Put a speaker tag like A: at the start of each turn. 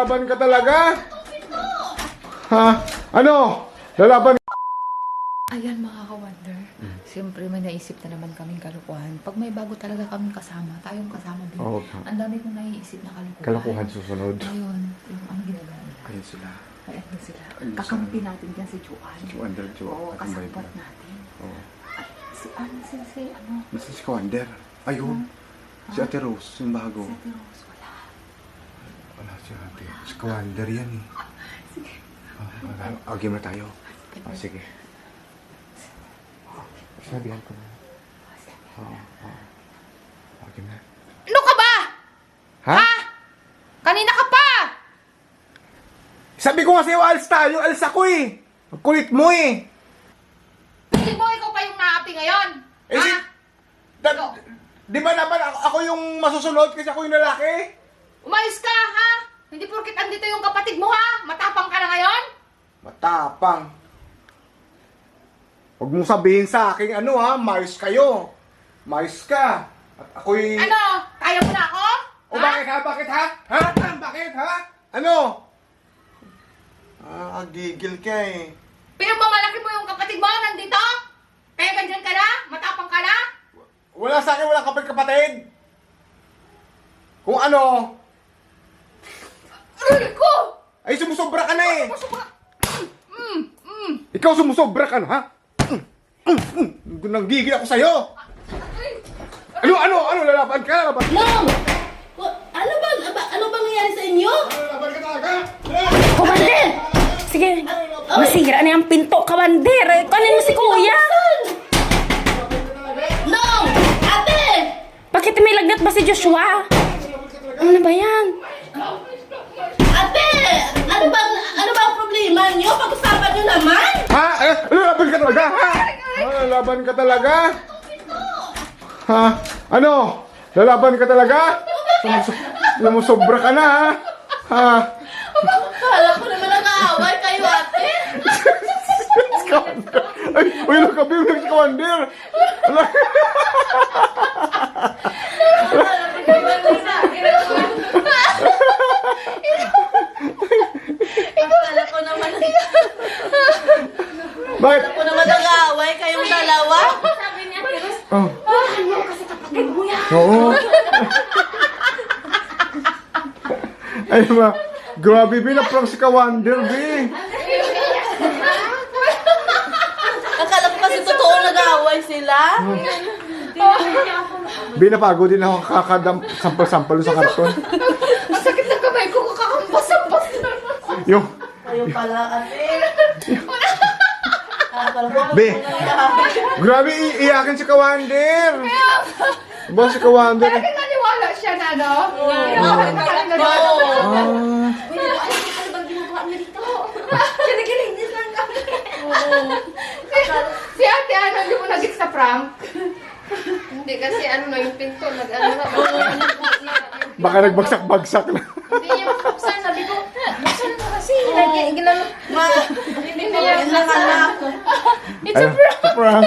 A: lalaban ka talaga? Ha? Ano? Lalaban?
B: Ayan mga ka-wonder. Siyempre may naisip na naman kaming kalukuhan. Pag may bago talaga kaming kasama, tayong kasama din.
A: Oo.
B: Ang dami kong naiisip na kalukuhan.
A: Kalokohan susunod.
B: Ngayon, yung ano ginagawa nila.
A: Ayun sila.
B: Ayan na sila.
A: Ayun sila.
B: Kakampi natin dyan si Juan.
A: Wonder Jo.
B: Oo, kasapot natin.
A: Oo.
B: Ay, si ano?
A: Nasa si Kawander. Ayun. Si Ate Rose, yung bago.
B: Si Ate Rose, wala.
A: Wala si Ate. Si Kawander yan eh.
B: Sige.
A: Game na tayo. Sige. Sabihan ko na. Game na.
B: Ano ka ba?
A: Ha?
B: Kanina ka pa!
A: Sabi ko nga sa'yo, alis tayo. Alis ako eh. Ang kulit mo eh.
B: Hindi mo ikaw pa yung naapi ngayon?
A: Eh,
B: Ha?
A: di ba naman ako yung masusunod kasi ako yung lalaki?
B: Umayos ka, ha? Hindi porkit andito yung kapatid mo, ha? Matapang ka na ngayon?
A: Matapang. Huwag mong sabihin sa akin, ano ha, mayos kayo. Mayos ka. At ako'y...
B: Ano? Kaya mo na ako?
A: O bakit ha? Bakit ha? Ha? Bakit ha? Ano? Gigil ka eh.
B: Pinagmamalaki mo yung kapatid mo nandito? Kaya ganyan ka na? Matapang ka na?
A: Wala sa akin, walang kapatid. Kung ano,
B: Aray ko!
A: ay sumusobra ka na eh.
B: Masubra!
A: Ikaw sumusobra ka na ha? Nanggigil ako sa'yo. Ano, lalaban ka? Lalaban ka?
C: Long! Ano bang nangyari sa inyo?
A: Lalaban ka talaga?
C: Kawander! Sige, masira na yung pinto, Kawander. Kanin mo si Kuya. Long! Ate! Bakit may lagnat ba si Joshua? Ano ba yan? Ate! Ano ba ang problema niyo? Pag-usapan niyo naman?
A: Ha? Lalaban ka talaga? Ha? Lalaban ka talaga? Ha? Ano? Lalaban ka talaga? Sumusobra ka na ha? Ha?
C: Kala ko naman nag-aaway kayo, ate.
A: Ay, uy, nakabibig si Kawander.
C: Kala ko naman
A: Bakit?
C: nag-aaway kayong dalawa.
A: Oh.
B: Kasi kapatid mo yan!
A: Oo. Ay, grabe, binaprank si Kawander, be.
C: Akala ko kasi totoo nag-aaway sila.
A: Binapagod din ako sampal-sampal sa karton.
B: Ang sakit ng kamay ko, kakampas-ampas na.
A: Yung,
C: Kayo pala, ate. Akala ko
A: be, grabe, iiyakin si Kawander. Ba si Kawander?
B: Talaga naniwala siya na, no? Ano bang ginagawa niya dito? Kinikilig lang kami. Si ate, ano, hindi mo nag-gets sa prank?
D: Hindi kasi ano na yung pinto, nag-ano na.
A: Baka nagbagsak-bagsak na.
D: Hindi niya mabuksan, sabi ko, buksan mo kasi. Ginano.
C: Hindi niya anak.
A: It's a prank.